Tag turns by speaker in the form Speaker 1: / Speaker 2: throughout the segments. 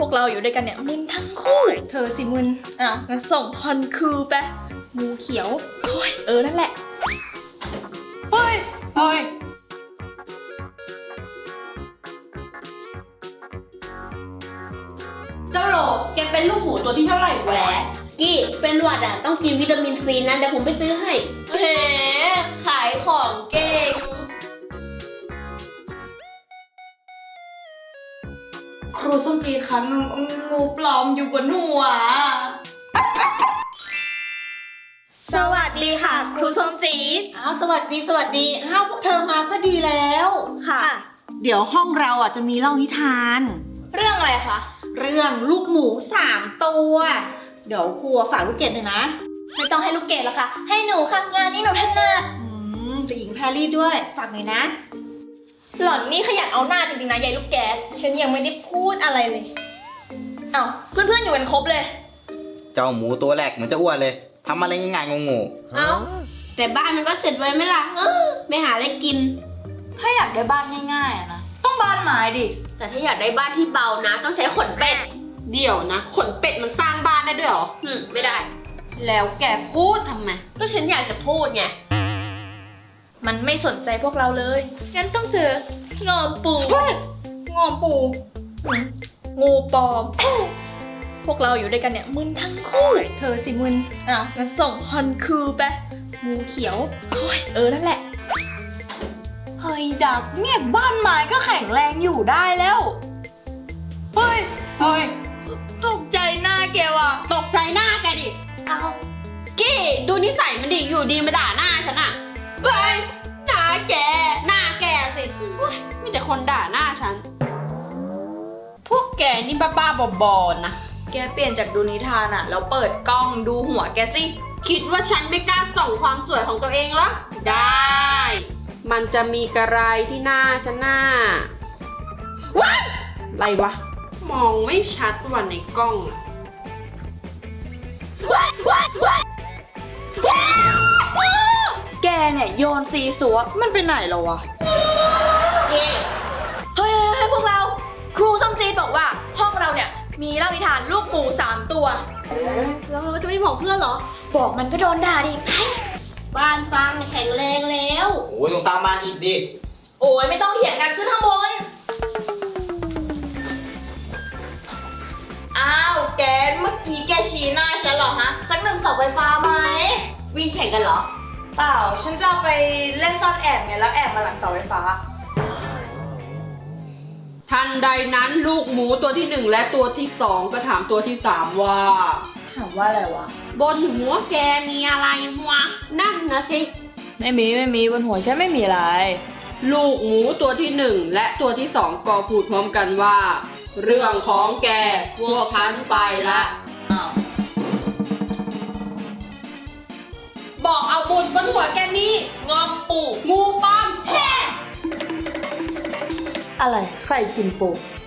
Speaker 1: วกเราอยู่ด้วยกันเนี่ยมึนทั้งคู่
Speaker 2: เธอสิมึน
Speaker 1: งั้นส่งฮอนคูไป
Speaker 2: งูเขียว
Speaker 1: โอ้ยนั่นแหละ
Speaker 2: เฮ้ย
Speaker 3: เจ้าโหลแกเป็นลูกหมูตัวที่เท่าไหร่แหวะ
Speaker 4: กี้เป็นหวัดอ่ะต้องกินวิตามินซีนะเดี๋ยวผมไปซื้อให้
Speaker 3: แหมขายของเก่ง
Speaker 2: ครูส้มจีคะงูปลอมอยู่บนหัว สวัสดีค่ะ ครูส้มจีด
Speaker 4: อ้าวสวัสดีอ้าวพวกเธอมาก็ดีแล้ว
Speaker 2: ค่ะ
Speaker 4: เดี๋ยวห้องเราอ่ะจะมีเล่านิทาน
Speaker 1: เรื่องอะไรคะ
Speaker 4: เรื่องลูกหมู3 ตัว เดี๋ยวครูฝากลูกเกดหน่อยนะ
Speaker 1: ไม่ต้องให้ลูกเกดแล้วค่ะ ให้หนูค่ะงานนี้หนูถนัด
Speaker 4: แต่หญิงแพรรี่ด้วยฝากหน่อยนะ
Speaker 1: หล่อนนี่ขยันเอาหน้าจริงๆนะยายลูกแก๊สฉันยังไม่ได้พูดอะไรเลยเพื่อนๆอยู่กันครบเลย
Speaker 5: เจ้าหมูตัวแรกเหมือนจะอ้วนเลยทำอะไรง่ายๆงง
Speaker 4: เอ้าแต่บ้านมันก็เสร็จไว้ไหมล่ะไม่หาอะไรกิน
Speaker 2: ถ้าอยากได้บ้านง่ายๆอะนะ ต้องบ้านไม้ดิ
Speaker 3: แต่ถ้าอยากได้บ้านที่เบานะต้องใช้ขนเป็ด เดี๋ยวนะ ขนเป็ดมันสร้างบ้านได้ด้วยเหรอไม่ได้
Speaker 2: แล้วแกพูดทำไม
Speaker 3: ก็ฉันอยากจะพูดไง
Speaker 1: มันไม่สนใจพวกเราเลยงั้นต้องเจองอมปู
Speaker 2: งอมปู
Speaker 1: งูปลอม พวกเราอยู่ด้วยกันเนี่ยมึนทั้งคู่
Speaker 2: เธอสิมึน
Speaker 1: งั้นส่งฮอนคูไป
Speaker 2: งูเขียว
Speaker 1: โอ้ยนั่นแหละ
Speaker 2: เฮ้ยดักเนี่ยบ้านไม้ก็แข็งแรงอยู่ได้แล้ว เฮ้ย ตกใจหน้าแกว่ะ
Speaker 3: ตกใจหน้าแกดิ
Speaker 2: เอา
Speaker 3: กี้ดูนิสัยมันดิอยู่ดีมาด่าหน้าฉันอะ
Speaker 2: ไปหน้าแก
Speaker 3: หน้าแกสิอุ๊ยมีแต่คนด่าหน้าฉัน พวกแกนี่บ้าๆบอๆนะ
Speaker 2: แกเปลี่ยนจากดูนิทานอะแล้วเปิดกล้องดูหัวแกสิ
Speaker 3: คิดว่าฉันไม่กล้าส่องความสวยของตัวเองเหรอ ได้ มันจะมีกระไรที่หน้าฉันหน้าว้ายอะไรวะ มองไม่ชัดว่ะในกล้องอะ
Speaker 2: แกเนี่ยโยนซีซัวมันไปไหนแล้ววะ
Speaker 1: เฮ้ยพวกเรา ครูส้มจีดบอกว่าห้องเราเนี่ยมีเล่านิทานลูกหมู3 ตัว
Speaker 4: แล้วเราจะไม่บอกเพื่อนเหรอ
Speaker 1: บอกมันก็โดนด่าดิไป
Speaker 4: บ้านฟางแข็งแรงแล้ว
Speaker 5: ๆโอ้ยต้องสร้างบ้านอีกดิ
Speaker 1: โอ้ยไม่ต้องเถียงกันขึ้นข้างบน อ้าวแกเมื่อกี้แกชี้หน้าฉันเหรอฮะ สัก1 เสาไฟฟ้าไหม
Speaker 3: วิ่งแข่งกันเหรอ
Speaker 2: เปล่า ฉันจะเอาไปเล่นซ่อนแอบไงแล้วแอบมาหลังเสาไฟฟ้า
Speaker 3: ทันใดนั้นลูกหมูตัวที่ 1 และตัวที่ 2 ก็ถามตัวที่ 3 ว่า
Speaker 2: ถามว่าอะไรวะ
Speaker 3: บนหัวแกมีอะไรวะ นั่นนะสิ
Speaker 2: ไม่มีบนหัวฉันไม่มีอะไร
Speaker 3: ลูกหมูตัวที่ 1 และตัวที่ 2 ก็พูดพร้อมกันว่า เรื่องของแกพวกฉันไปละ บอกเอาบุญบนหัวแกนี่งอมปูงูปลอมแฮ่
Speaker 2: อะไรใครกินปู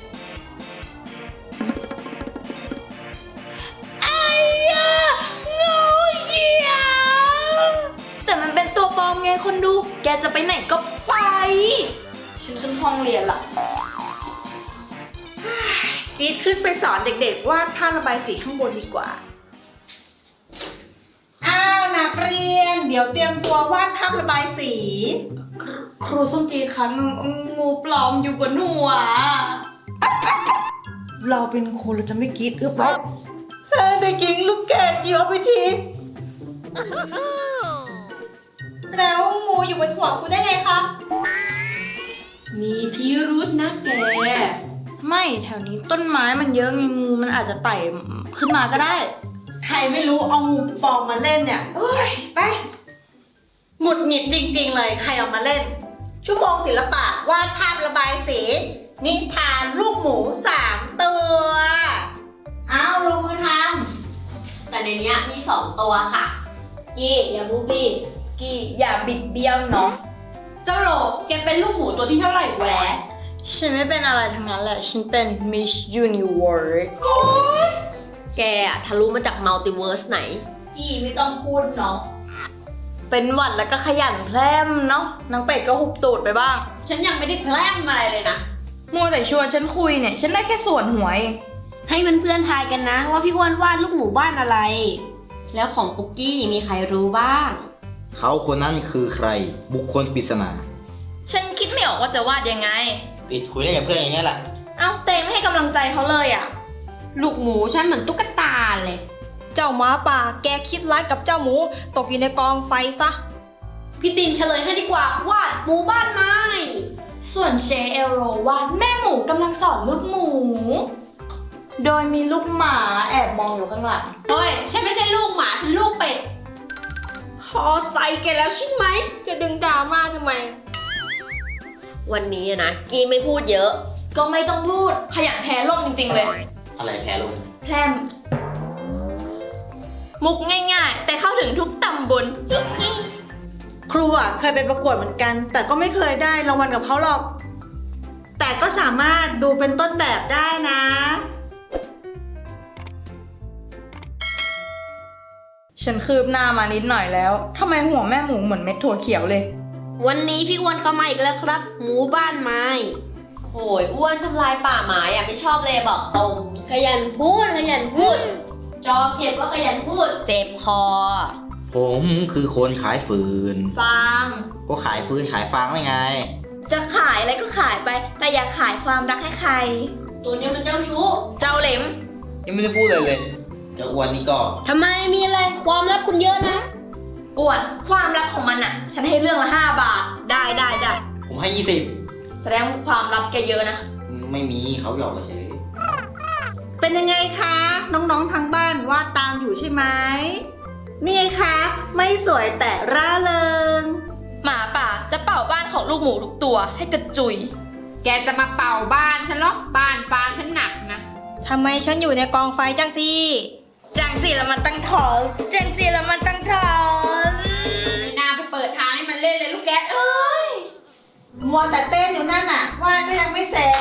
Speaker 1: แต่มันเป็นตัวปลอมไงคนดู แกจะไปไหนก็ไป
Speaker 2: ฉันขึ้นห้องเรียนละ
Speaker 4: จี๊ดขึ้นไปสอนเด็กๆว่าท่าระบายสีข้างบนดีกว่า อ้าวนักเรียน เดี๋ยวเตรียมตัววาดภาพระบายสี
Speaker 2: ครูส้มจีดคะงูปลอมอยู่บนหัว
Speaker 4: เราเป็นครูเราจะไม่กรีดหรือเปล่าเด็กหญิงลูกแกดอยู่เอาไปที
Speaker 1: แล้วงูอยู่บนหัวคุณได้ไงคะ
Speaker 3: มีพิรุษนะแก
Speaker 2: ไม่แถวนี้ต้นไม้มันเยอะไงงูมันอาจจะไต่ขึ้นมาก็ได้
Speaker 4: ใครไม่รู้เอางูปลอมมาเล่นเนี่ยเอ้ยไปหงุดหงิดจริงๆเลยใครเอามาเล่น ชั่วโมงศิลปะวาดภาพระบายสี นิทานลูกหมู3 ตัวเอาลงมือท
Speaker 3: แต่ในเนี้ยมี 2 ตัวค่ะ
Speaker 4: กี้อย่าบูบี้
Speaker 1: กี่อย่าบิดเบี้ยวเนาะ
Speaker 3: เจ้าโหลแกเป็นลูกหมูตัวที่เท่าไหร่แหวะ
Speaker 2: ฉันไม่เป็นอะไรทั้งนั้นแหละ ฉันเป็น Miss Universe
Speaker 3: แกอะทะลุมาจากมัลติเวิร์สไหน
Speaker 1: กี่ไม่ต้องพูดเนาะ
Speaker 2: เป็นหวัดแล้วก็ขยันแพร่มเนาะนางเป็ดก็หุบตูดไปบ้าง
Speaker 3: ฉันยังไม่ได้แพร่มอะไรเลยนะ
Speaker 2: มัวแต่ชวนฉันคุยเนี่ย ฉันได้แค่ส่วนหัวเอง
Speaker 4: ฮ
Speaker 3: ให้เพื่อนๆทายกันนะว่าพี่อ้วนวาดลูกหมูบ้านอะไร แล้วของปุกกี้มีใครรู้บ้าง
Speaker 5: เขาคนนั้นคือใคร บุคคลปริศนา
Speaker 1: ฉันคิดไม่ออกว่าจะวาดยังไง
Speaker 5: ติดคุยได้กับเพื่อนอย่างนี้แหละ
Speaker 1: เอ้าเตงไม่ให้กำลังใจเขาเลยอ่ะ
Speaker 3: ลูกหมูฉันเหมือนตุ๊กตาเลย
Speaker 2: เจ้าหมาป่าแกคิดร้ายกับเจ้าหมูตกอยู่ในกองไฟซะ
Speaker 3: พี่ตินเฉลยให้ดีกว่าวาดหมูบ้านไม้
Speaker 1: ส่วนเชเอลโรวาดแม่หมูกำลังสอนลูกหมู โดยมีลูกหมาแอบมองอยู่ข้างหลัง
Speaker 3: เฮ้ยฉันไม่ใช่ลูกหมาฉันลูกเป็ด พอใจแกแล้วใช่ไหม
Speaker 2: จะดึงดราม่าทำไม
Speaker 6: วันนี้อะนะกีไม่พูดเยอะ
Speaker 1: ก็ไม่ต้องพูดขยันแพ้ล่มจริงๆเลย
Speaker 5: อะไรแพ้ลง
Speaker 1: แพรมมุกง่ายๆ แต่เข้าถึงทุกตำบล
Speaker 4: ครูอ่ะเคยไปประกวดเหมือนกัน แต่ก็ไม่เคยได้รางวัลกับเขาหรอก แต่ก็สามารถดูเป็นต้นแบบได้นะ
Speaker 2: ฉันคืบหน้ามานิดหน่อยแล้วทำไมหัวแม่หมูเหมือนเม็ดถั่วเขียวเลย
Speaker 3: วันนี้พี่อ้วนเข้ามาอีกแล้วครับ หมูบ้านไม้
Speaker 6: โอ้ยอ้วนทำลายป่าไม้อะไม่ชอบเลยบอกตรง
Speaker 3: ขยันพูดขยันพูด จอเข็มก็ขยันพูด
Speaker 6: เจ็บคอ
Speaker 5: ผมคือคนขายฟืน
Speaker 1: ฟาง
Speaker 5: ก็ขายฟืนขายฟางได้ไง
Speaker 1: จะขายอะไรก็ขายไป แต่อย่าขายความรักให้ใคร
Speaker 3: ตัวนี้มันเจ้าชู้
Speaker 1: เจ้าเหลม
Speaker 5: ยังไม่ได้พูดเลยเจะอ้วนนี่ก็
Speaker 3: ทำไมมีอะไรความลับคุณเยอะนะ
Speaker 1: อ้วนความลับของมันอ่ะ ฉันให้เรื่องละ5 บาท ได้
Speaker 5: ผมให้
Speaker 1: แสดงว่าความลับแกเยอะนะ
Speaker 5: 20 ไม่มีเขาหยอกเฉย
Speaker 4: เป็นยังไงคะ น้องๆทางบ้านวาดตามอยู่ใช่ไหมนี่ไงคะไม่สวยแต่ร่าเริง
Speaker 1: หมาป่าจะเป่าบ้านของลูกหมูทุกตัวให้กระจุย
Speaker 3: แกจะมาเป่าบ้านฉันหรอบ้านฟางฉันหนักนะ
Speaker 2: ทำไมฉันอยู่ในกองไฟจังสิ
Speaker 1: จังสิแล้วมันตั้งถอน
Speaker 2: จังสิแล้วมันตั้งถอน
Speaker 3: ไม่น่าไปเปิดทางให้มันเล่นเลยลูกแกะเอ้ย
Speaker 4: มัวแต่เต้นอยู่นั่นน่ะวาดก็ยังไม่เสร็จ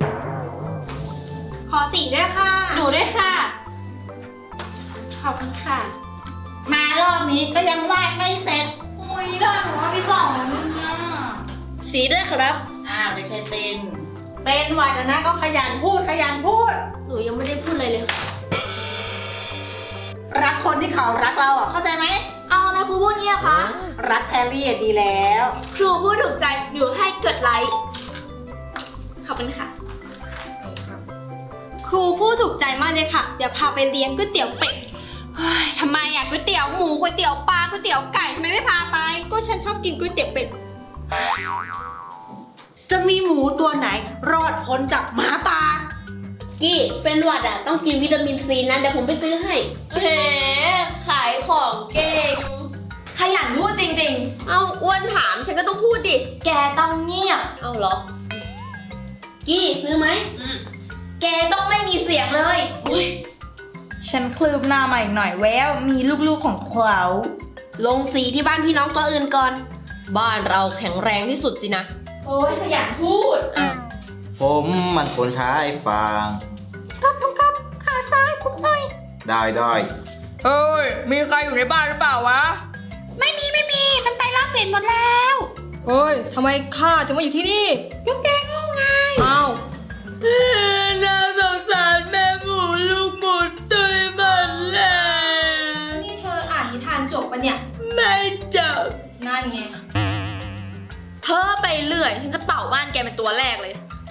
Speaker 2: ขอสีด้วยค่ะ
Speaker 3: หนูด้วยค่ะ ขอบคุณค่ะ
Speaker 4: มารอบนี้ก็ยังวาดไม่เสร็จ
Speaker 2: อุ้ยได้หนูว่าพี่สองแล้วนะ
Speaker 3: สีด้วยครับ
Speaker 4: อ้าวเด็กชายเต้นเต้นวาดนะก็ขยันพูด
Speaker 6: หนูยังไม่ได้พูดอะไรเลยค่ะ
Speaker 4: รักคนที่เขารักเราอ่ะเข้าใจไหม
Speaker 1: เอาทำไมครูพูดเงี้ยคะ
Speaker 4: รักแพรรี่อะดีแล้ว
Speaker 1: ครูพูดถูกใจหนูให้กดไลค์ ขอบคุณค่ะ
Speaker 2: ครูพูดถูกใจมากเลยค่ะ เดี๋ยวพาไปเลี้ยงก๋วยเตี๋ยวเป็ด
Speaker 3: เฮ้ยทำไมอ่ะก๋วยเตี๋ยวหมูก๋วยเตี๋ยวปลาก๋วยเตี๋ยวไก่ทำไมไม่พาไป
Speaker 2: ก็ฉันชอบกินก๋วยเตี๋ยวเป็ด
Speaker 4: จะมีหมูตัวไหนรอดพ้นจากหมาป่า
Speaker 3: กี้เป็นหวัดอ่ะต้องกินวิตามินซีนะเดี๋ยวผมไปซื้อให้
Speaker 6: เฮ้ขายของเก่ง
Speaker 1: ขยันพูดจริง
Speaker 6: เอาอ้วนถามฉันก็ต้องพูดดิ
Speaker 1: ๆ แกต้องเงียบ
Speaker 6: เอาเหรอ
Speaker 3: กี้ซื้อไหม
Speaker 1: แกต้องไม่มีเสียงเลย
Speaker 2: ฉันคลืบหน้ามาอีกหน่อยแวว มีลูกๆของเขา
Speaker 3: ลงสีที่บ้านพี่น้องตัวอื่นก่อน
Speaker 6: บ้านเราแข็งแรงที่สุดสินะ
Speaker 1: โอ้ยขยันพูด
Speaker 5: ผมมันคนขายฟางครับขายฟางคุณหน่อย ได้
Speaker 1: เฮ้ย มีใครอยู่ในบ้านหรือเปล่าวะ
Speaker 3: ไม่มีมันไปลากเป็ดหมดแล้ว
Speaker 2: เฮ้ย ทำไมข้าถึงมาอยู่ที่นี่
Speaker 3: ก็แกโง่ไง
Speaker 2: อ้าว
Speaker 1: น่าสงสารแม่หมูลูกหมูตุยมันเลย
Speaker 2: นี่เธออ่านนิทานจบปะเนี่ย
Speaker 1: ไม่จบ
Speaker 2: นั่นไง
Speaker 1: เพ้อไปเรื่อย ฉันจะเป่าบ้านแกเป็นตัวแรกเลย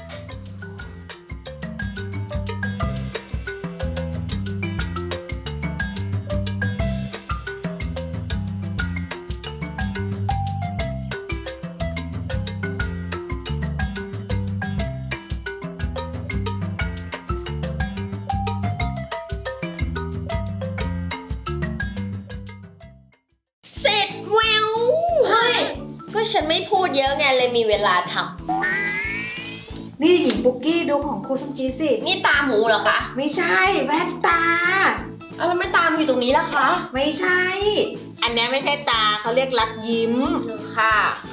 Speaker 6: เสร็จแววเฮ้ย ก็ฉันไม่พูดเยอะไงเลยมีเวลาท
Speaker 4: นี่หญิงฟุกกี้ดูของครูส้มจีสิ
Speaker 6: ำนี่ตาหมูเหรอคะ
Speaker 4: ไม่ใช่แว่นตา
Speaker 6: เอาแล้วไม่ตามอยู่ตรงนี้ล่ะคะ
Speaker 4: ไม่ใช่ อันนี้ไม่ใช่ตาเขาเรียกรักยิ้ม
Speaker 6: ค่ะ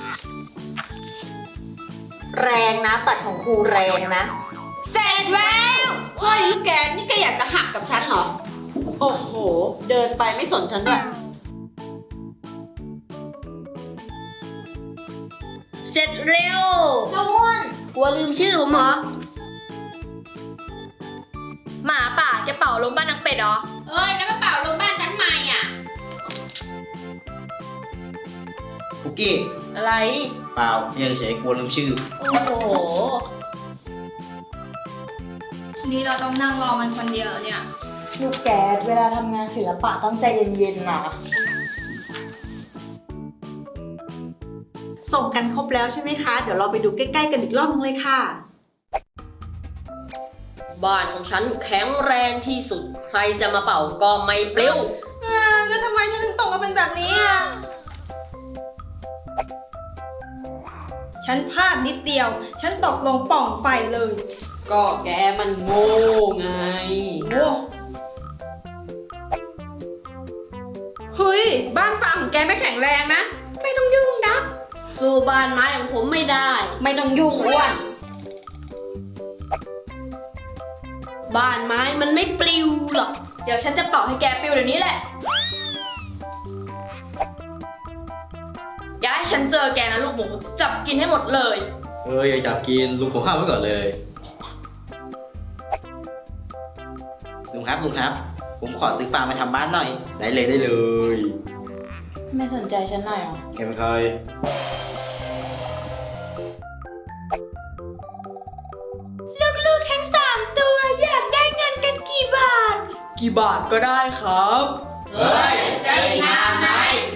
Speaker 4: แรงนะปัดของครูแรงนะ
Speaker 3: เสร็จแล้วเฮ้ยลูกแกนี่แกอยากจะหักกับฉันเหรอ โอ้โห เดินไปไม่สนฉันด้วย เสร็จเร็ว
Speaker 1: เจ้าอ้วน
Speaker 3: กลัวลืมชื่อผมเหรอ
Speaker 1: หมาป่าาลมบ้านนางเป็ดเหรอ
Speaker 3: เอ้ยแล้วมาเป่าลมบ้านฉันใหม่อ่ะ
Speaker 5: คุกกี้
Speaker 6: อะไร
Speaker 5: เปล่าเนี่ยเฉยๆกลัวลืมชื่อ
Speaker 6: โอ้โห
Speaker 1: นี่เราต้องนั่งรอมันคนเดียวเนี่ย
Speaker 2: ลูกแก๊สเวลาทำงานศิลปะต้องใจเย็นๆนะ
Speaker 4: ส่งกันครบแล้วใช่ไหมคะ เดี๋ยวเราไปดูใกล้ๆกันอีกรอบนึงเลยค่ะ
Speaker 6: บ้านของฉันแข็งแรงที่สุด ใครจะมาเป่าก็ไม่ปลิว
Speaker 1: แล้วทำไมฉันถึงตกมาเป็นแบบนี้อ่ะ
Speaker 2: ฉันพลาดนิดเดียว ฉันตกลงปล่องไฟเลย
Speaker 3: ก็แกมันโง่ไง
Speaker 2: โอ้เฮ้ย บ้านฟางของแกไม่แข็งแรงนะ ไม่ต้องยุ่งนะ
Speaker 3: สู้บ้านไม้ของผมไม่ได้ ไม่ต้องยุ่งอ้วน บ้านไม้มันไม่ปลิวหรอก
Speaker 1: เดี๋ยวฉันจะเป่าให้แกปิวเดี๋ยวนี้แหละอย่าให้ฉันเจอแกนะลูกหมูจับกินให้หมดเลย
Speaker 5: อย่าจับกินลุงของข้ามไว้ก่อนเลยลุงครับ ผมขอซื้อฟางมาทำบ้านหน่อย ได้เลย
Speaker 2: ไม่สนใจฉันหน่อยเหรอ
Speaker 5: แกเป็นใคร
Speaker 2: ลูกๆทั้ง3ตัวอยากได้เงินกันกี่บาท กี่บาทก็ได้ครับ
Speaker 3: เฮ้ยใจนานไหม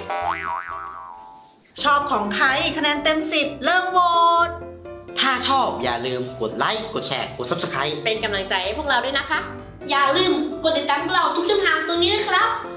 Speaker 4: ชอบของใครคะแนนเต็ม 10 เริ่มโหวต
Speaker 5: ถ้าชอบอย่าลืมกดไลค์ กดแชร์ กด Subscribe
Speaker 6: เป็นกำลังใจให้พวกเราด้วยนะคะ
Speaker 3: อย่าลืมกดติดตามพวกเราทุกช่องทางตรงนี้นะครับ